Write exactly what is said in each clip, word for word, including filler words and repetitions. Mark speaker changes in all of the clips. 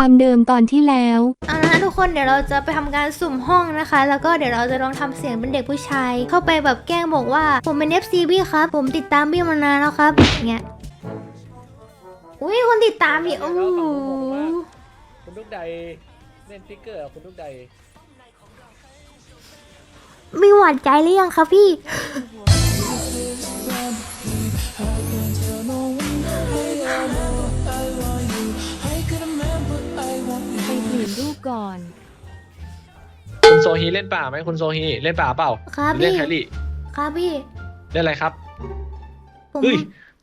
Speaker 1: ความเดิมตอนที่แล้ว
Speaker 2: เอาละทุกคนเดี๋ยวเราจะไปทำการสุ่มห้องนะคะ แล้วก็เดี๋ยวเราจะลองทำเสียงเป็นเด็กผู้ชายเข้าไปแบบแกล้งบอกว่าผมเป็น เอฟ ซี บี้ครับผมติดตามบี้มานานแล้วครับอย่างเงี้ยอุ้ยคนติดตามอีกโอ้โห
Speaker 3: คุณลูกใดเล่นฟิกเกอร์คุณลูกใด
Speaker 2: มีหวานใจหรือยังครับพี่
Speaker 1: ไปถือรูปก่อน
Speaker 3: คุณโซฮีเล่นป่าไหมคุณโซฮีเล่นป่าเปล่า
Speaker 2: ครับ
Speaker 3: เล่
Speaker 2: พี่
Speaker 3: นแครี่
Speaker 2: ครับพี่
Speaker 3: เล่นอะไรครับ
Speaker 2: ผม
Speaker 3: เฮ้ย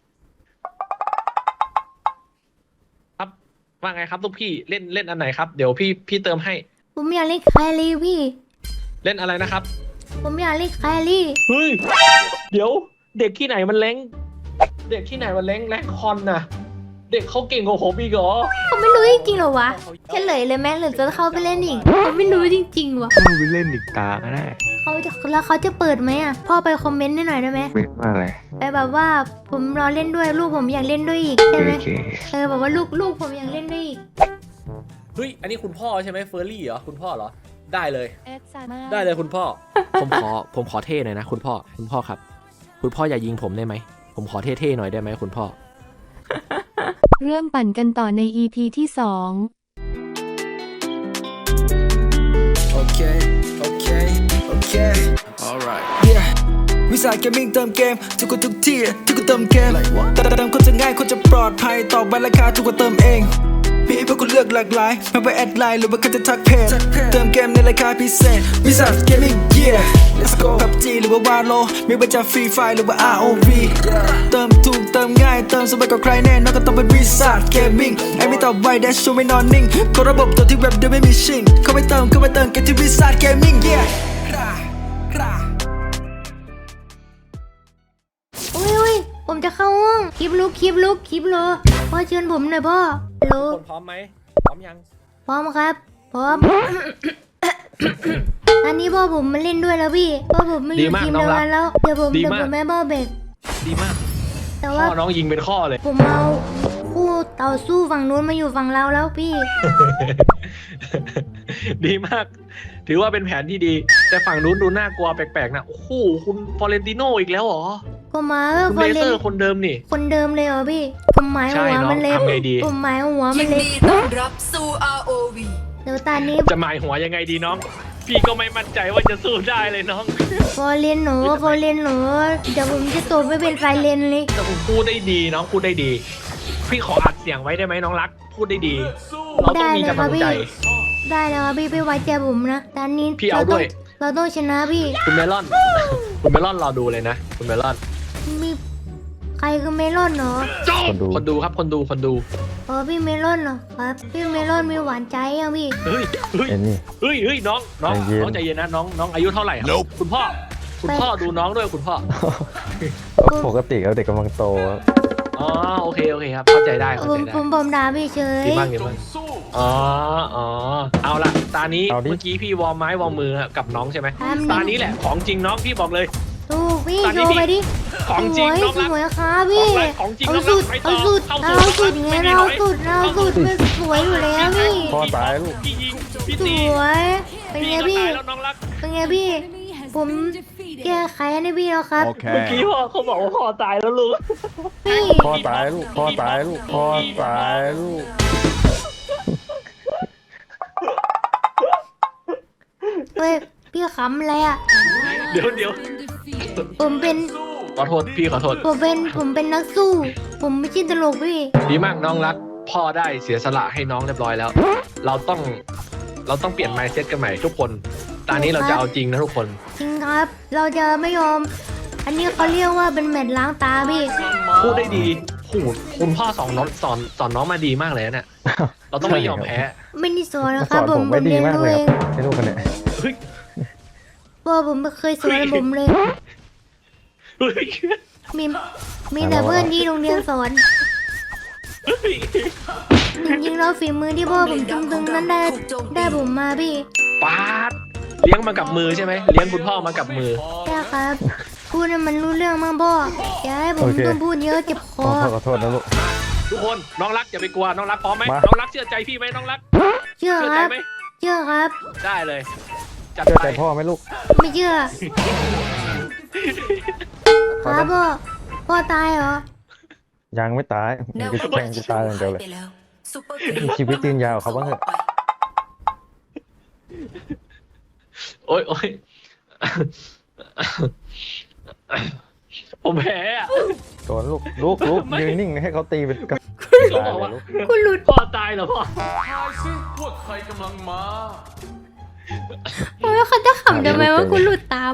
Speaker 3: ครับว่าไงครับลูกพี่เล่นเล่นอันไหนครับเดี๋ยวพี่พี่เติมให้
Speaker 2: ผมอยากเล่นแครี่พี่
Speaker 3: เล่นอะไรนะครับ
Speaker 2: ผมอยากเล่นแครี่
Speaker 3: เฮ้ยเดี๋ยวเด็กที่ไหนมันเล้งเด็กที่ไหนมันเล้งแรงคอนน่ะเด็กเขาเก่งกว่าผมอีกเหรอ
Speaker 2: ผมไม่รู้จริงๆหรอวะแค่เลยเลยแม่หรือจะเข้าไปเล่นอีกผมไม่รู้จริงๆวะ
Speaker 4: มึงไปเล่นอีกตาก็ได้
Speaker 2: เขาจะแล้วเขาจะเปิดไหมอ่ะพ่อไปคอมเมนต์ให้หน่อยได้ไหม
Speaker 4: ไม่ว่าอะไร
Speaker 2: ไปแบบว่าผมรอเล่นด้วยลูกผมอยากเล่นด้วยอีก
Speaker 4: โอ
Speaker 2: ใช่ไหม
Speaker 4: เค
Speaker 2: เออบอกว่าลูกลูกผมอยากเล่นด้วยอีก
Speaker 3: เฮ้ยอันนี้คุณพ่อใช่ไหมเฟอร์รี่เหรอคุณพ่อเหรอได้เลย
Speaker 1: แอดซามา
Speaker 3: ได้เลยคุณพ่อ ผมขอผมขอเท่หน่อยนะคุณพ่อคุณพ่อครับ คุณพ่ออย่ายิงผมได้ไหมผมขอเท่ๆหน่อยได้ไหมคุณพ่อ
Speaker 1: เริ่มปั่นกันต่อใน อี พี ที่สอง
Speaker 5: Okay, okay, okay. Alright. Yeah. วิสาหเกมมิ่งเติมเกมทุกคนทุกที่ทุกคนเติมเกมเติมคนจะง่ายคนจะปลอดภัยตอบไปราคาทุกคนเติมเองมีให้พวกคุณเลือกหลากหลายไม่ว่าแอดไลน์หรือว่าคุณจะทักเพจเติมเกมในราคาพิเศษวิสาหเกมมิ่ง yeah let's go พับจีหรือว่าวาโลไม่ว่าจะฟรีไฟหรือว่า อาร์ โอ วี เติมถูกเติมง่ายเติมสบายกว่าใครแน่นอนก็ต้องเป็นวิสาหเกมมิ่งไอ้ไม่ตอบไวแดชชูไม่นอนนิ่งกดระบบตัวที่เว็บโดยไม่มีชิงเข้าไปเติมเข้าไปเติมกันที่วิสาหเกมมิ่ง yeah
Speaker 2: อุ้ยอุ้ยผมจะเข้าห้องคลิปลุกคลิปลุกคลิปโลพ่อเชิญผมหน่อยพ่อโล
Speaker 3: คนพร้อมไหมพร้อมยัง
Speaker 2: พร้อมครับพร้อม อันนี้พ่อผมมาเล่นด้วยแล้วพี่พ่อผมมาอยู่ทีมเดียวกันแล้วเดี๋ยวผมเดี๋ยวผมแม่พ่อเบรก
Speaker 3: ดีมาก
Speaker 2: แต่
Speaker 3: พ่
Speaker 2: ว่า
Speaker 3: อน้องยิงเป็นข้อเลย
Speaker 2: ผมเอาคู่ต่อสู้ฝั่งนู้นมาอยู่ฝั่งเราแล้วพี่
Speaker 3: ดีมาก ถือว่าเป็นแผนที่ดี แต่ฝั่งนู้นดูน่ากลัวแปลกๆนะโอ้โหคุณฟอเรนติโนอีกแล้วเหรอ
Speaker 2: ก็มาก็
Speaker 3: คุณ
Speaker 2: พอ
Speaker 3: เล
Speaker 2: เล่
Speaker 3: เซอน ร์คนเดิมนี่
Speaker 2: คนเดิมเลยเหรอพี่ผมหมาย
Speaker 3: ใช่
Speaker 2: หัว
Speaker 3: น้อง
Speaker 2: มันเล็ก
Speaker 3: ทำไงดี
Speaker 2: ผมหมายหัวมั
Speaker 6: ยิ
Speaker 2: น
Speaker 6: น
Speaker 2: เล็ก
Speaker 6: ดีต้อนรับสู่ อาร์ โอ วี
Speaker 2: เดี๋ยวตอนนี้
Speaker 3: จะหมายหัวยังไงดีน้อง พี่ก็ไม่มั่นใจว่าจะสู้ได้เลยน้อง
Speaker 2: พอเล่นหนูพอเล่นหนูเดี๋ยวผมจะตบไม่เป็นไฟเลนเลย
Speaker 3: แต่ผมพูดได้ดีน้องพูดได้ดี พี่ขออัดเสียงไว้ได้ไหมน้องรัก พูดได้ดี เราต้องมีกำลังใจ
Speaker 2: ได้แล้วครับพี่ไปไว้ใจผมนะตอนนี้
Speaker 3: พี่เอาด้วย
Speaker 2: เราต้องชนะพี่
Speaker 3: คุณเมลอน คุณเมลอนรอดูเลยนะ คุณเมลอน
Speaker 2: มีใครคือเมลอนเหรอ
Speaker 4: คนดู
Speaker 3: คนดูครับคนดูคนดู
Speaker 2: อ๋อพี่เมลอนเหรอครับพี่เมลอนมีหวานใจยังพี่
Speaker 3: เฮ้ยเฮ้ย
Speaker 4: เอ็นนี่
Speaker 3: เฮ้ยเฮ้ยน้องน้อง
Speaker 4: ใจเย็น
Speaker 3: น้องใจเย็นนะน้องน้องอายุเท่าไหร่ครับคุณพ่อ คุณพ่อดูน้องด้วยคุณพ่อ
Speaker 4: ปกติแล้วเด็กกำลังโต
Speaker 3: อ๋อโอเคโอเคครับเข้าใจได้
Speaker 2: ผ
Speaker 3: เข้าม ใจได้
Speaker 2: ผมผมด่าพี่เฉย
Speaker 3: ดีมากดีมากอ๋ออ๋อเอาละตานี้
Speaker 4: เอาดิ
Speaker 3: เมื่อกี้พี่วอร์มไม้วอร์มมือกับน้องใช่ไหม
Speaker 2: ทำ
Speaker 3: ตา
Speaker 2: ดิ
Speaker 3: นี้แหละของจริงน้องพี่บอกเลย
Speaker 2: ถูกพี่
Speaker 3: ตอนนี้
Speaker 2: โชว์
Speaker 3: พี่
Speaker 2: ไปดิ
Speaker 3: ของจริง
Speaker 2: สวย
Speaker 3: น้องรัก
Speaker 2: สวยครับพี่
Speaker 3: ของอะไรของจริง
Speaker 2: เอา
Speaker 3: น้องรั
Speaker 2: สุ
Speaker 3: ก
Speaker 2: ด
Speaker 3: ไปต่
Speaker 2: เอา
Speaker 3: อ
Speaker 2: สุด
Speaker 3: เข้า
Speaker 2: เอา
Speaker 3: สู่
Speaker 2: สุด
Speaker 3: ไม่
Speaker 2: ไง
Speaker 3: มี
Speaker 2: เรา
Speaker 3: ถอย
Speaker 2: สุดเราสุดมันสวยอยู่แล้วพี่
Speaker 4: พ่อตายลูก
Speaker 3: พี่ยิงพี่
Speaker 2: ส
Speaker 3: ตี
Speaker 2: วยเป็นไง
Speaker 3: พี่ก็
Speaker 2: พี่
Speaker 3: ตายแล้วน้องรัก
Speaker 2: เป็นไงพี่ ผมแก้ไขให้พี่แล้วครับ
Speaker 3: เมื่อกี้พ่อเขาบอกว่าพ่อตายแล้วลูก
Speaker 2: พี่
Speaker 4: พ่อตายลูก พ่อตายลูก พ่อตายลูก
Speaker 2: เฮ้ยพี่ขำอะไรอ่ะ
Speaker 3: เดี๋ยวเดี๋ยว
Speaker 2: ผมเป็น
Speaker 3: ขอโทษพี่ขอโทษ
Speaker 2: ผมเป็นผมเป็นนักสู้ ผมไม่ใช่ตลกพี่
Speaker 3: ดีมากน้องรัก พ่อได้เสียสละให้น้องเรียบร้อยแล้ว เราต้องเราต้องเปลี่ยน mindset กันใหม่ทุกคน ตอนนี้เราจะเอาจริงนะทุกคน
Speaker 2: จริงครับ เราจะไม่ยอม อันนี้เขาเรียกว่าเป็นแมตช์ล้างตาพี่
Speaker 3: พูดได้ดีโหคุณพ่อสอนน้องสอนสอนน้องมาดีมากเลยนะเนี่ย เราต้องไม่ยอมแพ้
Speaker 2: ไม่ได้สอนนะค
Speaker 4: ส
Speaker 2: รับ
Speaker 4: อน
Speaker 2: ผ
Speaker 4: ผม ม
Speaker 2: ผ
Speaker 4: ไม่
Speaker 2: ม
Speaker 4: ดี
Speaker 2: เรียน
Speaker 4: มาก
Speaker 2: รู้
Speaker 4: เลย
Speaker 2: เอง
Speaker 4: ครับให้ลูกคนเนี้ย
Speaker 3: เฮ้ย
Speaker 2: พ่อผมไม่เคยสอนผมเลย
Speaker 3: เฮ้ย
Speaker 2: มีมีแต่เพื่อนที่โรงเรียนสอน
Speaker 3: เฮ้ย
Speaker 2: จริงๆแล้วฝีมือที่พ่อผมตึงๆนั้นได้ได้ผมมาพี่
Speaker 3: ปาดเลี้ยงมากับมือใช่ไหมเลี้ยงคุณพ่อมากับมือ
Speaker 2: ใช่ครับพูดให้มันรู้เรื่องมากพ่ออย่าให้ผมต้องพูดเยอะเจ็บค
Speaker 4: ขอ
Speaker 2: อ
Speaker 4: โทษขอโทษนะลูก
Speaker 3: ทุกคนน้องรักอย่าไปกลัวน้องรักพร้อมไหม
Speaker 4: มา
Speaker 3: น้องรักเชื่อใจพี่ไหมน้องรัก
Speaker 2: เชื่อ
Speaker 3: เชื่อ
Speaker 2: ค
Speaker 3: ใจ
Speaker 2: รับ
Speaker 3: ไหม
Speaker 2: เชื่อครับ
Speaker 3: ได้เลยจัด
Speaker 4: เชื่อ
Speaker 3: ไป
Speaker 4: ใจพ่อไหมลูก
Speaker 2: ไม่เชื่อ ครับพ่อ พ่อตายเหรอ
Speaker 4: ยังไม่ตายมึงจะแข่งจะตายอย่างเดียวเลย มีชีวิตยืนยาวเขาบ้างเถอะ
Speaker 3: โอ๊ยโอ๊ยผมแพ้อะ
Speaker 4: โดนลูกลูกลูก
Speaker 3: ไม่
Speaker 4: ยืนนิ่งให้เขาตีเป็นกระ
Speaker 3: เขา
Speaker 4: ตาย
Speaker 3: บอก
Speaker 4: เลย
Speaker 3: ว่า
Speaker 4: ลูก
Speaker 2: คุณหลุด
Speaker 3: พ่อตายเหรอพ่อ
Speaker 2: โอ้ยเขาจะขำทำไมว่าคุณหลุดตาม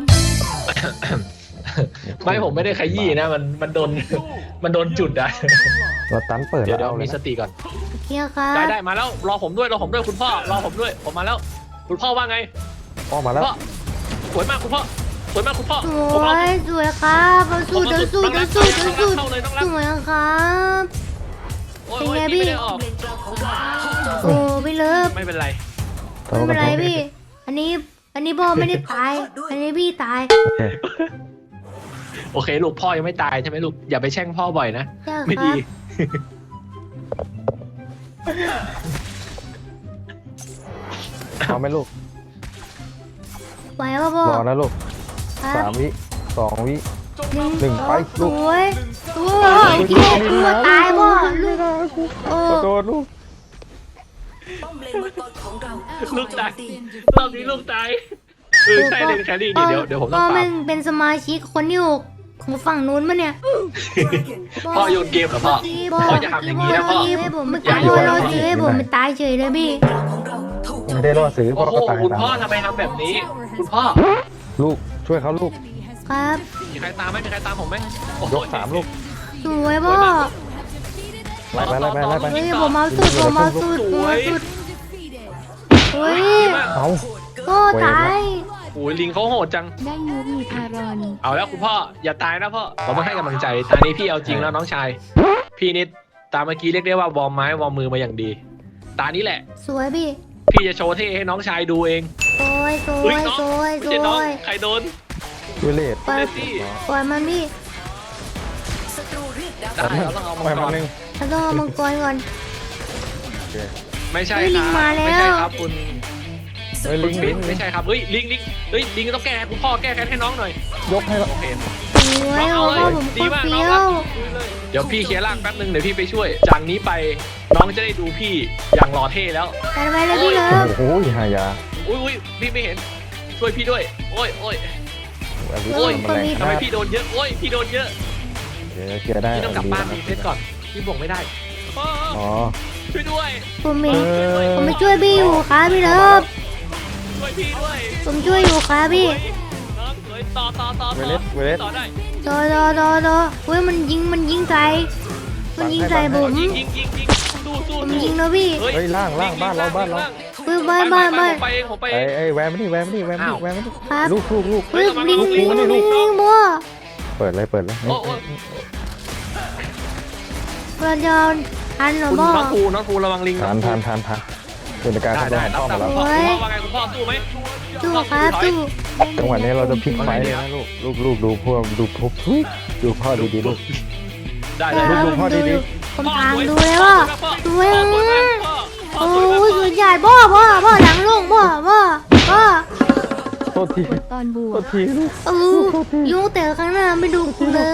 Speaker 3: ไม่ผมไม่ได้ขยี้นะมันมันโดนมันโดนจุดอะ
Speaker 4: เราตันเปิด
Speaker 3: เดี๋ยว
Speaker 4: แล้
Speaker 3: เดี๋ยว
Speaker 4: วเอาเล
Speaker 3: มี
Speaker 4: ย
Speaker 3: ส
Speaker 4: นะ
Speaker 3: ติก่อน
Speaker 2: โอเคครับ
Speaker 3: ได้ได้มาแล้วรอผมด้วยรอผมด้วยคุณพ่อรอผมด้วยผมมาแล้ว คุณพ่อว่าไง
Speaker 4: พ่อมาแล้ว
Speaker 3: พ่อสวยมากคุณพ่อสวยมากคุณพ่อ
Speaker 2: ส
Speaker 3: ผม
Speaker 2: ว
Speaker 3: เอา
Speaker 2: ยสวยครับเอาสู้เดี๋ยวสู้เดี๋ยวสู้เดี๋ยวสู้
Speaker 3: เข้าเลยน้องรั
Speaker 2: ส
Speaker 3: ก
Speaker 2: วยครับ
Speaker 3: โอ้ย
Speaker 2: เป็น
Speaker 3: โอ้ย
Speaker 2: ไง
Speaker 3: พี่
Speaker 2: พี่
Speaker 3: ไม่ได้ออก
Speaker 2: โอ้พี่เลิฟ
Speaker 3: ไม่เป็นไร
Speaker 2: ไม่เป็นไรพี่ อันนี้ อันนี้พ่อไม่ได้ตาย อันนี้พี่ตาย
Speaker 4: โอเค
Speaker 3: โอเคลูกพ่อยังไม่ตายใช่ไหมลูกอย่าไปแช่งพ่อบ่อยนะ
Speaker 2: ใช่ค
Speaker 3: ไม่
Speaker 2: รั
Speaker 3: ดี
Speaker 2: บ
Speaker 4: พร้อมไหมลูก
Speaker 2: ไหวป่ะพ่อ
Speaker 4: รอนะลูก
Speaker 2: ครับ
Speaker 4: สามวิสองวิ
Speaker 2: หนึ่ง
Speaker 4: หนึ่งไป
Speaker 2: ส
Speaker 4: ลูก
Speaker 2: วยสวยเกียร์ตัวตายพ่อลูกโอ้
Speaker 4: ขอโทษลูก
Speaker 3: ลูกตายรอบนี้ลูกตายเออใช่เลยแครี่นี่เดี๋ยวเดี๋ยวผมต้อง
Speaker 2: พ่อ
Speaker 3: ตา
Speaker 2: มั
Speaker 3: ม
Speaker 2: นเป็นสมาชิกคนที่หกของฝั่งนู้นมั้เนี่ย
Speaker 3: พ่อโยนเกมเหรอพ่อ พ่อจะทำอย่างนี้นะพ่อ
Speaker 2: ให้ผมไม่
Speaker 3: อย่า
Speaker 2: ตาย
Speaker 3: โยน
Speaker 2: เราซื้อให้ผมไม่ตายเฉยเลยพี่
Speaker 4: ไม่ได้รอดซื้อพ่
Speaker 3: โอ้
Speaker 4: อ
Speaker 3: โห
Speaker 4: ก็ตาย
Speaker 3: คุณ
Speaker 4: ตาม
Speaker 3: พ่อทำไมทำแบบนี้ คุณพ่อ
Speaker 4: ลูกช่วยเขาลูก
Speaker 2: ครับ
Speaker 3: มีใครตามไหมมีใครตามผมไหมโอ้โห
Speaker 4: ยกสามลูก
Speaker 2: สวยพ่อ
Speaker 4: ไล่ไปไล่ไปไล่ไป
Speaker 2: เฮ้ยผมเอาสุดผมเอาสุดผมเอาสุดเฮ้ย
Speaker 3: ดีมาก
Speaker 4: เอา
Speaker 2: พ่อตาย
Speaker 3: โอ้ยลิงเขาโหดจัง
Speaker 1: ได้ยูมีพารอน
Speaker 3: เอาแล้วคุณพ่ออย่าตายนะพ่อผมมาให้กำลังใจตอนนี้พี่เอาจริงแล้วน้องชาย พี่นิดตามเมื่อกี้เรียกได้ว่าวอร์มไม้วอร์มมือมาอย่างดี ตานี้แหละ
Speaker 2: สวยพี่
Speaker 3: พี่จะโชว์เท่ให้น้องชายดูเอง
Speaker 2: สวยสว
Speaker 3: เฮ้ย
Speaker 2: ย
Speaker 3: น้อง
Speaker 2: สวย
Speaker 3: ไม่
Speaker 2: ส
Speaker 3: ใช่น้อ
Speaker 2: ว
Speaker 3: ง
Speaker 2: ย
Speaker 3: ใครโดน
Speaker 4: วิเลต
Speaker 2: ปล่อย
Speaker 3: เดซี่
Speaker 2: ปล่อยมันพี่
Speaker 3: ได้เราต้องเอา
Speaker 4: ไป
Speaker 3: มังก
Speaker 4: มาร หนึ่ง
Speaker 2: เราต้องเอามังกรก่อน
Speaker 4: โอเค
Speaker 3: ไม่ใช่
Speaker 2: เฮ้ย
Speaker 3: ค
Speaker 2: ลิ
Speaker 3: รับ
Speaker 2: งมาแล้ว
Speaker 3: ไม่ใช่ครับคุณ
Speaker 4: เฮ้ย
Speaker 3: คุ
Speaker 4: ลิ
Speaker 3: ณ
Speaker 4: ง
Speaker 3: ปิ๊
Speaker 4: ลิ
Speaker 3: ก
Speaker 4: ง
Speaker 3: ไม่ใช่ครับเฮ้ยลิงลิงเฮ้ยลิงต้องแก้ให้คุณพ่อแก้แค้นให้น้องหน่อย
Speaker 4: ยกให้ละ
Speaker 3: โอเค
Speaker 2: สวย
Speaker 3: น้อง
Speaker 2: เอา
Speaker 3: เอาเลย
Speaker 2: พ่อผมโค
Speaker 3: ดี
Speaker 2: ตร
Speaker 3: มาก
Speaker 2: เฟี้
Speaker 3: น้อง
Speaker 2: ย
Speaker 3: รั
Speaker 2: ว
Speaker 3: กเดี๋ยวพี่เคลียร์ร่างแป๊บนึงเดี๋ยวพี่ไปช่วย จากนี้ไปน้องจะได้ดูพี่อย่างหล่อเท่แล้ว
Speaker 2: กันไปเลยพี่เลิฟ
Speaker 4: โอ้โหหายา
Speaker 3: อุ้ยอุ้ยพี่ไม่เห็นช่วยพี่ด้วย โอ้ยโอ้ย
Speaker 4: อลิ
Speaker 3: โอ้ย
Speaker 4: ทำแรง
Speaker 3: ทำไม
Speaker 4: มาก
Speaker 3: พี่โดนเยอะโอ้ยพี่โดนเยอะ
Speaker 4: เดี๋ยวเคลียร์ได้
Speaker 3: พี่ต้องกลับบ้านมีเซตก่อนพี่บอกไม่ได้พ่อ
Speaker 4: อ๋อ
Speaker 3: ช่วยด้วย
Speaker 2: ผมเอ
Speaker 4: เอง อ
Speaker 2: ผมไปช่วยพี่อยู่ครับพี่เลิฟ
Speaker 3: ช่วยพี่ด้วย
Speaker 2: ผมช่วยอยู่ครับพี่
Speaker 3: น้องสวยต่อต่อต่อ
Speaker 4: เว
Speaker 3: ต่อ
Speaker 4: เลสเวเลส
Speaker 3: ต่อได้
Speaker 2: รอรอรอรอเฮ้ยมันยิงมันยิงใส่มันยิงใส่ผม
Speaker 3: ยิงยิงยิงยิงสู้สู้
Speaker 2: ผม
Speaker 3: สู้
Speaker 2: ยิงนะพี่
Speaker 4: เฮ้ยล่างล่างบ้านเราบ้านเรา
Speaker 2: เฮ้ยบ้านบ้านบ้าน
Speaker 3: ผมไปเองผมไปเอ
Speaker 4: ไอ้
Speaker 3: ง
Speaker 4: ไอ้แวมมานี่แวมมานี่แวมมานี่แวมมานี่
Speaker 2: ครับ
Speaker 4: ลูกลูกลูก
Speaker 2: เฮ้ยลิงลิงลิงลิงบัว
Speaker 4: เปิดเลยเปิดเลย
Speaker 3: โอ้โอ้
Speaker 2: เราจะทันเหรอ
Speaker 3: คุณ
Speaker 2: พ่อ
Speaker 3: น้องภูน้องภูระวังลิง
Speaker 4: ทานทานทานทานเป็นการ
Speaker 3: ได้
Speaker 4: เข้า
Speaker 3: ได้
Speaker 4: ได้
Speaker 3: รับ
Speaker 4: เข้า
Speaker 3: ตา
Speaker 4: มาแล้ว
Speaker 3: คุณพ่อคุณพ่อว่าไงคุณพ่อสู้ไหม
Speaker 2: สู้ครับสู้
Speaker 4: จังหวะนี้เราจะพลิกไฟเลยนะลูกลูกลูกดูพวกดูพวกทุยดูพ่อดีดีลูก
Speaker 3: ได้
Speaker 2: ได้
Speaker 3: เลย
Speaker 2: ครับ
Speaker 4: ดู
Speaker 2: ผม
Speaker 4: พ่อ
Speaker 2: ดู
Speaker 4: ดี
Speaker 2: อยู่
Speaker 4: ๆ
Speaker 2: ผมทางดูเลยว่าสวย
Speaker 3: พ่อสวยมาก
Speaker 2: มาก
Speaker 3: พ่อพ่อ
Speaker 2: โอ้
Speaker 3: สวยมาก
Speaker 2: ยสุดยอดพ่อพ่อพ่อหลังลงพ่อพ่อพ่อ
Speaker 4: โทษที
Speaker 1: ตอนบว
Speaker 4: โท
Speaker 1: ก
Speaker 4: ษทีลูก
Speaker 2: เออยุ่งแต่ข้างหน้าไม่ดูกูเลย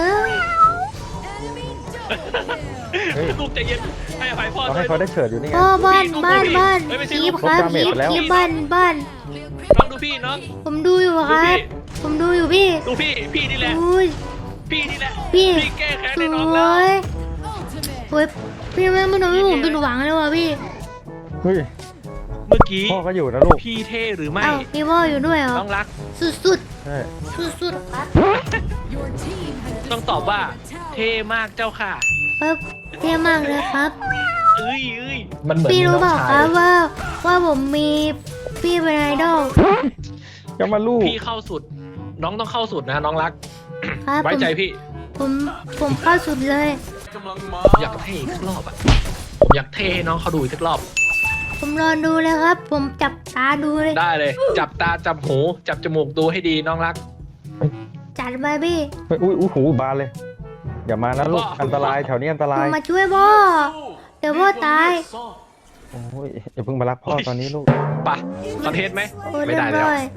Speaker 4: เฮ้ย
Speaker 3: ลูกใจเย็นให้อภัยพ่อ
Speaker 4: เรา
Speaker 3: ด้ว
Speaker 4: ให้
Speaker 3: ย
Speaker 4: เขาได้เฉิดอยู่นี่ไง
Speaker 2: พ่อบ้านบ้านบ้านคีบครับคีบคีบบ้านบ้าน
Speaker 3: น้องดูพี่น้อง
Speaker 2: ผมดูอยู่ครับ ผมดูอยู่พี่
Speaker 3: ดูพี่พี่นี่แหละ
Speaker 2: อุ้ย
Speaker 3: พี่นี่แหละ
Speaker 2: พี่
Speaker 3: พี่แก้แค้น
Speaker 2: ส
Speaker 3: ให้น้อง
Speaker 2: ว
Speaker 3: แล้ว
Speaker 2: ยโอ้ยพี่แม่ไม่ทำให้ผมผิดหวังเลยว่ะพี่
Speaker 4: เฮ้ย
Speaker 3: เมื่อกี้
Speaker 4: พ่อก็อยู่นะลูก
Speaker 3: พี่เท่หรือไม่
Speaker 2: เอ้าพี่พ่ออยู่ด้วยเหรอ
Speaker 3: น้องรัก
Speaker 2: สุดสุด
Speaker 4: ใช่
Speaker 2: สุดสุดๆครับ
Speaker 3: ต้องตอบว่าเท่มากเจ้าค่ะ
Speaker 2: ครับเท่มากเลยครับ
Speaker 3: เอ้ยเอ้ยมันเหมือน
Speaker 2: พี่รู้เปล่า
Speaker 3: น้อง
Speaker 2: ค
Speaker 3: ชา
Speaker 2: รั
Speaker 3: ย
Speaker 2: บว่าว่าผมมีพี่เป็นไอดอล
Speaker 4: ก็มาลูก
Speaker 3: พี่เข้าสุด น้องต้องเข้าสุดนะน้องรัก
Speaker 2: ครับ
Speaker 3: ไว้
Speaker 2: ผม
Speaker 3: ใจพี่
Speaker 2: ผมผมเข้าสุดเลย
Speaker 3: ผมอยากเท่อีกสักรอบอ่ะผมอยากเท่ให้น้องเขาดูอีกสักรอบ
Speaker 2: ผมรอดูเลยครับ ผมจับตาดูเลย
Speaker 3: ได้เลย จับตาจับหูจับจมูกดูให้ดีน้องรัก
Speaker 2: จัดไปพี่
Speaker 4: เฮ้ยอุ้ยอุ้ยหูบานเลยอย่ามานะลูกอันตรายแถวนี้อันต
Speaker 2: ผ
Speaker 4: ราย
Speaker 2: มมาช่วยพ่อเดี๋ยวพ่อตาย
Speaker 4: โอ้ยอย่าเพิ่งมารักพ่อตอนนี้ลูก
Speaker 3: ปะคอนเทนต์ไหม
Speaker 2: โอ้ย
Speaker 3: ไม่
Speaker 2: เรีย
Speaker 3: ได้
Speaker 2: บ
Speaker 3: แล้ว
Speaker 2: ร้อย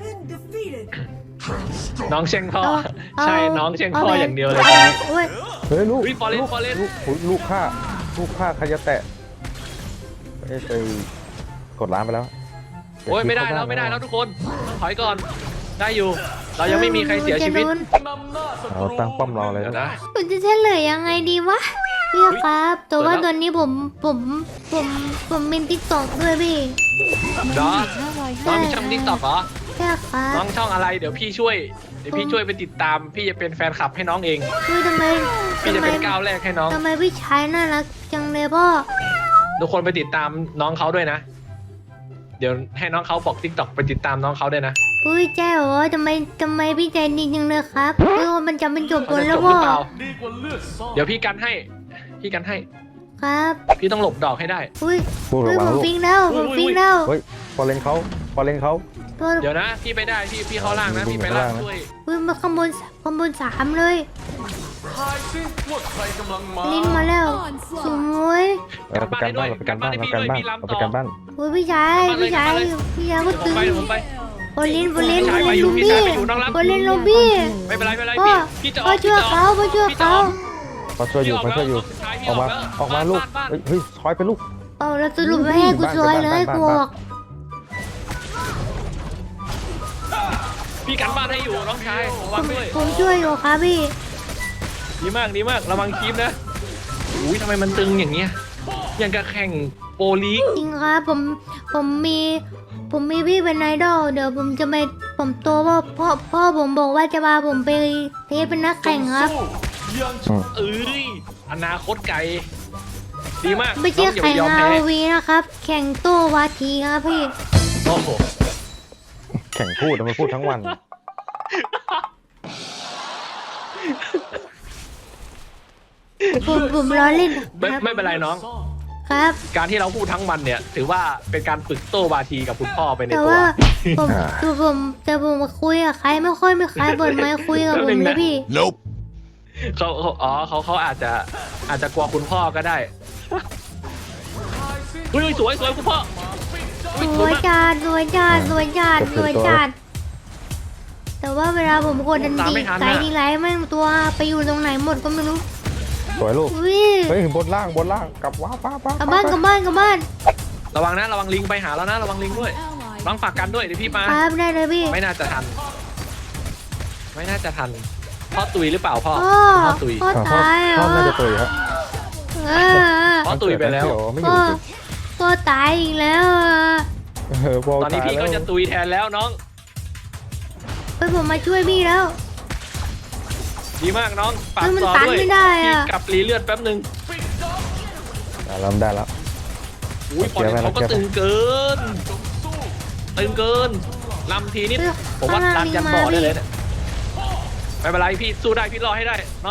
Speaker 3: น้องเชียงพ่อ
Speaker 2: เอา
Speaker 3: ใช่น้องเชียงพ่อ
Speaker 2: เอา
Speaker 3: อย่างเดียวเลย
Speaker 2: อา
Speaker 3: ตอนนี้
Speaker 2: โอ้ย
Speaker 4: เฮ้ยลูก
Speaker 3: อุ๊ย Fallen
Speaker 4: ลูก
Speaker 3: Fallen
Speaker 4: ลูกอุ๊ยลูกฆ่าลูกฆ่าใครจะแตะไปไปกดร้านไปแล้ว
Speaker 3: โอ้ยไม่ได้แล้วไม่ได้แล้วทุกคนต้องถอยก่อนได้อยู่ เรายังไม่มีใครเสียชีวิต
Speaker 2: จะลุ้น
Speaker 4: เราตั้งป้อมรอเลย
Speaker 3: เดี๋ยว
Speaker 4: นะ
Speaker 3: นะ
Speaker 2: ผมจะเฉลยยังไงดีวะพี่ครับแต่ว่า
Speaker 3: เปิดแล้ว
Speaker 2: ตอนนี้ผมผมผมผมเป็นติ๊กต็อกด้วยพี่
Speaker 3: ดอน้องมีช่องติ๊กต็อกเหรอ
Speaker 2: ใช่ครับ
Speaker 3: น้องช่องอะไรเดี๋ยวพี่ช่วยเดี๋ยวพี่ช่วยไปติดตาม พี่จะเป็นแฟนคลับให้น้องเอง
Speaker 2: คือทำไม
Speaker 3: พี่จะ
Speaker 2: ทำไม
Speaker 3: เป็นก้าวแรกให้น้อง
Speaker 2: ทำไมพี่ชายน่ารักจังเลยพ่อ
Speaker 3: ทุกคนไปติดตามน้องเขาด้วยนะ เดี๋ยวให้น้องเขาบอกติ๊กต็อกไปติดตามน้องเขาด้วยนะ
Speaker 2: อุ้ยแจ้เหรอทำไมทำไมพี่ใจดีจังเลยครับเออมันจะเป็นจบ
Speaker 3: เขา
Speaker 2: บน
Speaker 3: จะจ
Speaker 2: แล้ว
Speaker 3: บห
Speaker 2: พ่
Speaker 3: รือ
Speaker 2: อ
Speaker 3: เปล่าเดี๋ยวพี่กันให้ พี่กันให้
Speaker 2: ครับ
Speaker 3: พี่ต้องหลบดอกให้ได้
Speaker 2: อุ้ย
Speaker 4: พูด
Speaker 2: อุ้
Speaker 4: ระ
Speaker 2: ย
Speaker 4: วั
Speaker 2: ผ
Speaker 4: ง
Speaker 2: ม
Speaker 4: ลูก
Speaker 2: ฟิงแล้วผมฟิงแล้ว
Speaker 4: เฮ้ยพอเลนเขาพอเลนเขา
Speaker 2: พ่อ
Speaker 3: เดี๋ยวนะ พี่ไปได้พี่พี่เข้าล่างนะ พี่ไปล่างช่วย
Speaker 2: อุ้ยมาข้างบนข้างบนสามเลยลิ้นมาแล้วสวย
Speaker 4: เราไปกันบ้านเราไปกันบ้านเราไปกันบ้านเราไปกันบ้าน
Speaker 2: อุ้ยพี่ชายพี่ชายพี่ชายก็
Speaker 3: ผม
Speaker 2: ตึง
Speaker 3: ไปผมไป
Speaker 2: โอลินโอลิน
Speaker 3: พี่
Speaker 2: โอ
Speaker 3: ชายไป
Speaker 2: ลิน
Speaker 3: อยู่
Speaker 2: ลู
Speaker 3: พี่
Speaker 2: บี้
Speaker 3: ชายไปอยู่น้องรัก
Speaker 2: โอลินลูบี้
Speaker 3: ไม่เป็นไรไม่เป็นไร
Speaker 2: พ่อ
Speaker 3: พี่พี่จะอ
Speaker 2: พ่
Speaker 3: อ
Speaker 2: อก ช่วยเขาพ่อช่วย
Speaker 3: พี่จะ
Speaker 2: เขา
Speaker 3: ออก
Speaker 4: มาช่วยอยู่มาช่วยอยู่ออกมาออกมาลูกเฮ้ยเฮ้ยถอยไปลูก
Speaker 2: เอาแล้วสรุปไม่ให้กูช่วยเลยกูบอก
Speaker 3: พี่กันบ้านให้อยู่น้องชายระวังด้วย
Speaker 2: ผมช่วยอยู่ครับพี่
Speaker 3: ดีมากดีมากระวังคลิปนะอุ้ยทำไมมันตึงอย่างเงี้ยอย่างกับแข่งโปรลีก
Speaker 2: จริงครับผมผมมีผมมีพี่เป็นไอดอลเดี๋ยวผมจะไปผมโตว่าพ่อพ่อผมบอกว่าจะพาผมไปเทสเป็นนักแข่งครับ
Speaker 3: เอ้ยอนาคตไกลดีมาก
Speaker 2: ไม่ใช่
Speaker 3: น้องอย่า
Speaker 2: แข่
Speaker 3: ไป
Speaker 2: ง
Speaker 3: ยอม
Speaker 2: อา
Speaker 3: แพ้
Speaker 2: วีนะครับ แข่งโตวาทีครับพี่
Speaker 3: โอ้โห
Speaker 4: แข่งพูดมันพูดทั้งวัน
Speaker 2: ผมผมล้อเล่น
Speaker 3: ไม่
Speaker 2: ครับ
Speaker 3: ไม่เป็นไรน้อง
Speaker 2: ครับ
Speaker 3: การที่เราพูดทั้งวันเนี่ย ถือว่าเป็นการฝึกโต้บาทีกับคุณพ่อไปใน
Speaker 2: แต่
Speaker 3: ตัว
Speaker 2: ว่าผม
Speaker 4: อ่า
Speaker 2: คือผมแต่ผมมาคุยกับใครไม่ค่อยไม่ใครเปิดไมค์คุยกับผมเลยพี่
Speaker 3: เขาเขาอ๋อเขาเขาอาจจะอาจจะกลัวคุณพ่อก็ได้อุ้ยอุ้ยสวยสวยคุณพ่ออุ้ย
Speaker 2: ส
Speaker 3: ส
Speaker 2: ว
Speaker 3: วย
Speaker 2: ย
Speaker 3: มาก
Speaker 2: จัดสวยจัดสวยจัดสวยจัดแต่ว่าเวลาผมกดดันดีไกลทีไรแม่งตัวไปอยู่ตรงไหนหมดก็ไม่รู้
Speaker 4: สวยลูก
Speaker 2: อุ้ย
Speaker 4: เฮ้ยบนล่างบนล่างกลับว้าป้าป้าก
Speaker 2: ลับบ้านกลับบ้านกลับบ้าน
Speaker 3: ระวังนะระวังลิงไปหาแล้วนะระวังลิงด้วยน้องฝากกันด้วยเดี๋ยวพี่มา
Speaker 2: ครับได้เลยพี่
Speaker 3: ไม่น่าจะทัน ไม่น่าจะทันพ่อตุยหรือเปล่าพ่อ
Speaker 2: พ่อ
Speaker 3: พ่อตุย
Speaker 2: พ่อ
Speaker 4: พ่อ
Speaker 2: ตายเหร
Speaker 4: พ่อ
Speaker 2: อ
Speaker 4: น่าจะตุยครับ
Speaker 2: เออ
Speaker 3: พ่อตุยไปแล้ว
Speaker 4: เดี๋ยไม่อ
Speaker 2: พ่อยู่
Speaker 4: ตุย
Speaker 2: พ่อตายอีกแล้วอะ
Speaker 4: เออพ่อ
Speaker 3: ตอนนี้
Speaker 4: ตาย
Speaker 3: พี่ก็
Speaker 4: แล้ว
Speaker 3: จะตุยแทนแล้วน้อง
Speaker 2: ไปผมมาช่วยพี่แล้ว
Speaker 3: ดีมากน้องฝาก
Speaker 2: เฮ้ยมัน
Speaker 3: ต่อ
Speaker 2: ตัน
Speaker 3: ด้วย
Speaker 2: ไม่ได้อะ
Speaker 3: พี่กลับรีเลือดแป๊บนึง
Speaker 4: อ่ะเริ่มได้แล้ว
Speaker 3: อุ้ยพอ
Speaker 4: เดี๋ยวไป
Speaker 3: เขาก็
Speaker 4: เดี๋ยวไป
Speaker 3: ตึงเกิน ตึงเกินลำทีนิด
Speaker 2: เฮ้ย
Speaker 3: ผมว่า
Speaker 2: ข้างล่า
Speaker 3: ดั
Speaker 2: ง
Speaker 3: นยัน
Speaker 2: มี
Speaker 3: บ่อ
Speaker 2: มา
Speaker 3: ได้
Speaker 2: พี่
Speaker 3: เลยเนี่ยไม่เป็นไรพี่สู้ได้พี่รอให้ได้น้อง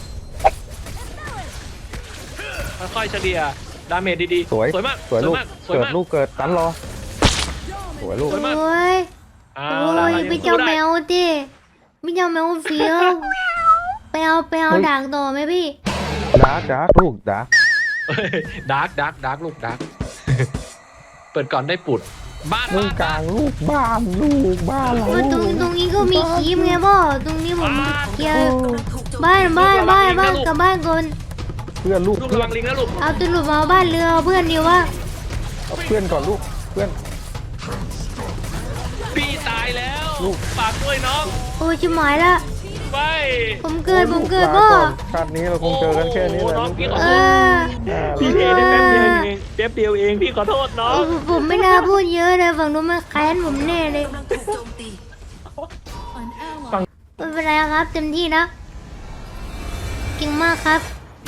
Speaker 3: ค่อยๆเฉลี่ยดาเมจดีๆ
Speaker 4: สวย
Speaker 3: สวยมาก
Speaker 4: สวยลูก
Speaker 3: มากสวย
Speaker 4: เกิด
Speaker 3: มาก
Speaker 4: ลูกเกิดตันรอสวยลูก
Speaker 3: สวยมาก
Speaker 2: โอ้ย
Speaker 3: เอา
Speaker 2: โอ้
Speaker 3: ละ
Speaker 2: ย
Speaker 3: เรายัง
Speaker 2: พี่
Speaker 3: สู้
Speaker 2: เจ้า
Speaker 3: ได้
Speaker 2: แมวดิพี่เจ้าแมวเฟี้ยวไปเอาไปเอาด่างต่อไหมพี่
Speaker 4: ดาร์กดาร์กลูกดาร์ก
Speaker 3: ดาร์กดาร์กดาร์กลูกดาร์ก เปิดก่อนได้ปุดบ้าน
Speaker 4: ลู
Speaker 3: บ้าก น
Speaker 4: กลางลูกบ้านลูกบ้านเรา
Speaker 2: เออตรงตรงนี้ก็มีคลิปไงพ่อตรงนี้ผมเคลียร์บ้านบ้านบ้านบ้านกลับบ้านก่อน
Speaker 4: เพื่อนลูก
Speaker 3: ลูก
Speaker 4: เพื่
Speaker 3: ระ
Speaker 4: อ
Speaker 3: วัน งลิงนะลูก
Speaker 2: เอาตุลุมาเอาบ้านเรือเอาเพื่อนดีวะ
Speaker 4: เอาเพื่อนก่อนลูกเพื่อน
Speaker 3: พี่ตายแล้ว
Speaker 4: ลูก
Speaker 3: ฝากด้วยน้อง
Speaker 2: โอ้ยชิบหายละ
Speaker 3: ไป
Speaker 2: ผมเกิดผมเกิด
Speaker 4: ลา
Speaker 2: พ่อ
Speaker 4: ก่อนชาตินี้เราคงเจอกันแค่นี้แหละ
Speaker 3: โอ้น้อง
Speaker 4: ลูก
Speaker 3: พี่ขอ
Speaker 2: เอ
Speaker 3: โทษ
Speaker 2: อ
Speaker 4: อ่า
Speaker 3: พี่เทได้แป๊บเดียวเองแป๊บเดียวเองพี่ขอโทษน้อ
Speaker 2: เอง อผมไม่น่าพูดเยอะเลยฝั่งนู้นมันแค้นผมแน่เลย
Speaker 6: กำลังถูกโจมตี
Speaker 2: ไม่เป็นไรครับเต็มที่นะเก่งมากครับ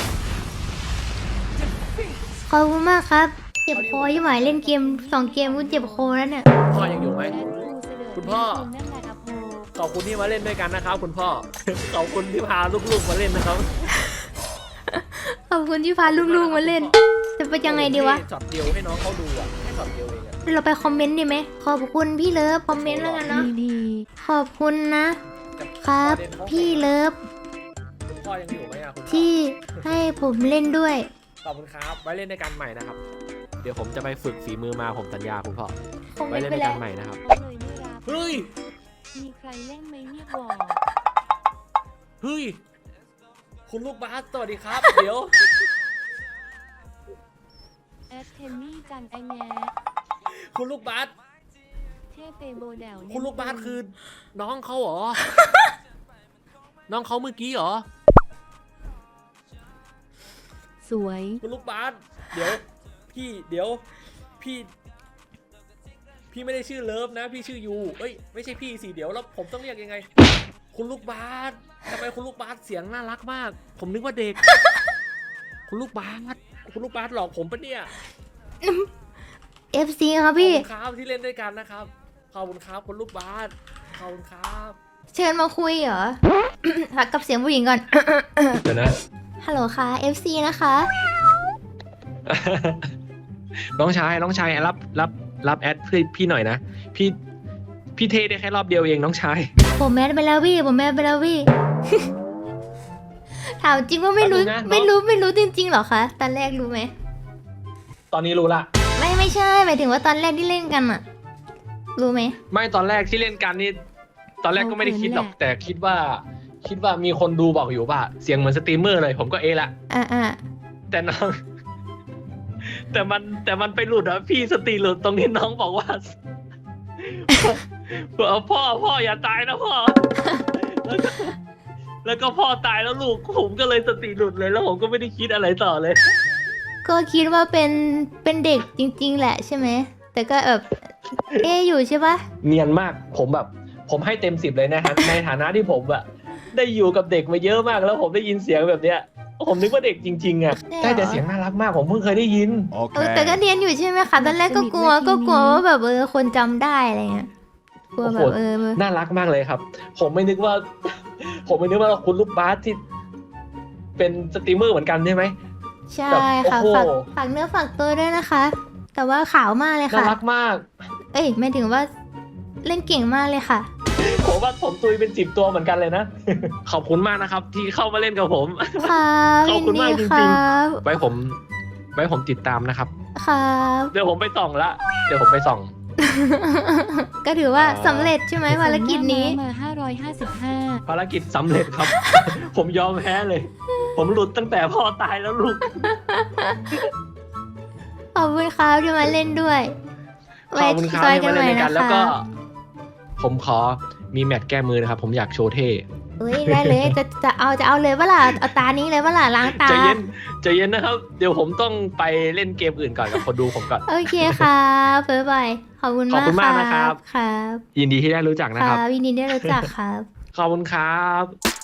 Speaker 2: ขอบคุณมากครับเจ็บคอยี่หมายเล่นเกมสองเกมกูเจ็บคอแล้วเนี่ย
Speaker 3: พ่อยังอยู่ไหม คุณพ่อ ขอบคุณที่มาเล่นด้วยกันนะครับ คุณพ่อ ขอบคุณที่พาลูกๆมาเล่นนะครับ
Speaker 2: ขอบคุณที่พาลูกๆมาเล่น จะไปยังไงดีวะ
Speaker 3: ช็อตเดียวให้น้องเขาดูอ่ะแค่ช็อตเดียวเองอะ
Speaker 2: เราไปคอมเมนต์ดีไหมขอบคุณพี่เลิฟคอมเมนต์แล้วกันเนาะ
Speaker 1: ดี
Speaker 2: ขอบคุณนะ ครับ พี่เลิฟ
Speaker 7: พ่อยังอยู่ไหมอะคุณพ่อ
Speaker 2: ที่ให้ผมเล่นด้วย
Speaker 7: ขอบคุณครับไว้เล่นด้วยกันใหม่นะครับ เดี๋ยวผมจะไปฝึกฝีมือมาผมสัญญาคุณพ่อ
Speaker 2: คง
Speaker 7: ไว้
Speaker 2: ไม่
Speaker 7: เล่น
Speaker 2: เป็
Speaker 7: ด้
Speaker 2: น
Speaker 7: วย
Speaker 2: ไร
Speaker 7: กันใหม่นะครับ
Speaker 1: เขาเลยไม่รับ
Speaker 7: เฮ้ย
Speaker 1: มีใครเล่นไหมเนี่ยบอก
Speaker 7: เฮ้ยคุณลูกบาสสวัสดีครับ เดี๋ยว
Speaker 1: แอดเทนนี่จังไอแง
Speaker 7: คุณลูกบาส
Speaker 1: เทพเตโบแดว
Speaker 7: คุณลูกบาสคือน้องเขาเหรอ น้องเขาเมื่อกี้เหรอ
Speaker 1: สวย
Speaker 7: คุณลูกบาสเดี๋ยวพี่เดี๋ยวพี่ พี่ไม่ได้ชื่อเลิฟนะ พี่ชื่อยูเอ้ยไม่ใช่พี่สิเดี๋ยวแล้วผมต้องเรียกยังไง คุณลูกบาสทำไมคุณลูกบาสเสียงน่ารักมาก ผมนึกว่าเด็ก คุณลูกบาสคุณลูกบาสหลอกผมปะเนี่ย
Speaker 2: เอฟ ซี ครับ
Speaker 7: ขอบ
Speaker 2: พี่
Speaker 7: คุณครับที่เล่นด้วยกันนะครับขอบคุณครับคุณลูกบาสขอบคุณครับ
Speaker 2: เชิญมาคุยเหรอ หักกับเสียงผู้หญิงก่อน
Speaker 3: เดี๋ยวนะ
Speaker 2: ฮัลโหลค่ะ เอฟ ซี นะคะ
Speaker 3: น้องชายน้องชายรับรับรับแอดพี่พี่หน่อยนะพี่พี่เทได้แค่รอบเดียวเองน้องชาย
Speaker 2: ผมแมสไปแล้วพี่ ผมแมสไปแล้วพี่ ถามจริงว่าไม่รู้
Speaker 3: แป๊บนึงนะน้อง
Speaker 2: ไม่รู้ไม่รู้จริงๆเหรอคะ ตอนแรกรู้ไหม
Speaker 3: ตอนนี้รู้ละ
Speaker 2: ไม่ไม่ใช่ หมายถึงว่าตอนแรกที่เล่นกันอะรู้ไหม
Speaker 3: ไม่ตอนแรกที่เล่นกันนี่ตอนแรกก็ไม่ได้คิดหรอก แต่คิดว่า คิดว่ามีคนดูบอกอยู่ว่าเสียงเหมือนสตรีมเมอร์เลย ผมก็เอะละ
Speaker 2: อ่าอ่า
Speaker 3: แต่น้อง แต่มันแต่มันไปหลุดอะพี่สติหลุดตรงนี้น้องบอกว่า พ่อพ่ออย่าตายนะพ่อ แล้วก็แล้วก็พ่อตายแล้วลูกผมก็เลยสติหลุดเลยแล้วผมก็ไม่ได้คิดอะไรต่อเลย
Speaker 2: ก็คิดว่าเป็นเป็นเด็กจริง ๆ แหละใช่ไหม แต่ก็แบบเอะอยู่ใช่ปะ
Speaker 3: เนียนมากผมแบบ ผมให้เต็มสิบเลยนะฮะ ในฐานะที่ผมอะได้อยู่กับเด็กมาเยอะมากแล้วผมได้ยินเสียงแบบเนี้ย ผมนึกว่าเด็กจริงๆอะใช่แต่เสียงน่ารักมากผมเพิ่งเคยได้ยิน
Speaker 2: เออแต่ก็เรียนอยู่ใช่ไหมคะตอนแรกก็กลัวก็กลัวว่าแบบเออคนจำได้อะไรเงี้ยกลัวแบบเออ
Speaker 3: น่ารักมากเลยครับ ผมไม่นึกว่า ผมไม่นึกว่าคุณลูกบาสที่ เป็นสตรีมเมอร์เหมือนกันใช่ไหม
Speaker 2: ใช่
Speaker 3: แบบ
Speaker 2: ค่ะ
Speaker 3: โอ้โห
Speaker 2: ฝากฝากเนื้อฝากตัวด้วยนะคะ แต่ว่าขาวมากเลย
Speaker 3: น่า
Speaker 2: ค่ะ
Speaker 3: รักมาก
Speaker 2: เอ้ยหมายถึงว่าเล่นเก่งมากเลยค่ะ
Speaker 3: ผมว่าผมตุยเป็นสิบตัวเหมือนกันเลยนะ ขอบคุณมากนะครับ ที่เข้ามาเล่นกับผม
Speaker 2: ครับ
Speaker 3: ขอบคุณมาก
Speaker 2: ยินดี
Speaker 3: จริงๆ
Speaker 2: ครับ
Speaker 3: ไว้ผมไว้ผมติดตามนะครับ
Speaker 2: ครับ
Speaker 3: เดี๋ยวผมไปส่องละเดี๋ยวผมไปส่อง
Speaker 2: ก็ถือว่าสำเร็จใช่ไหมภารกิจนี้
Speaker 1: มาห้าร้อยห้าสิบห้า
Speaker 3: ภารกิจสำเร็จครับ ผมยอมแพ้เลย ผมหลุดตั้งแต่พ่อตายแล้วลูก
Speaker 2: ขอบคุณครับที่มาเล่นด้วย
Speaker 3: ขอบคุณครับ
Speaker 2: ไว้
Speaker 3: ที่มาเล่นด้วยกัน
Speaker 2: จ
Speaker 3: แล้ว
Speaker 2: อ
Speaker 3: ก็
Speaker 2: ใหม่ะ
Speaker 3: ผมขอมีแมตช์แก้มือนะครับ ผมอยากโชว์เท่
Speaker 2: เอ้ยได้เลยจะจะเอาจะเอาเลยเปะล่ะเอาตานี้เลยเปะล่ะล้างตา
Speaker 3: ใจเย็นใจเย็นนะครับ เดี๋ยวผมต้องไปเล่นเกมอื่นก่อนกับคนดูผมก่อน
Speaker 2: โอเคครับบ๊ายบายขอบคุณ
Speaker 3: ขอบ
Speaker 2: มาก
Speaker 3: คุณมากนะครับ
Speaker 2: ครับ
Speaker 3: ยินดีที่ได้รู้จัก
Speaker 2: ค
Speaker 3: นะครับ
Speaker 2: รับยินดีได้รู้จักครับ
Speaker 3: ขอบคุณครับ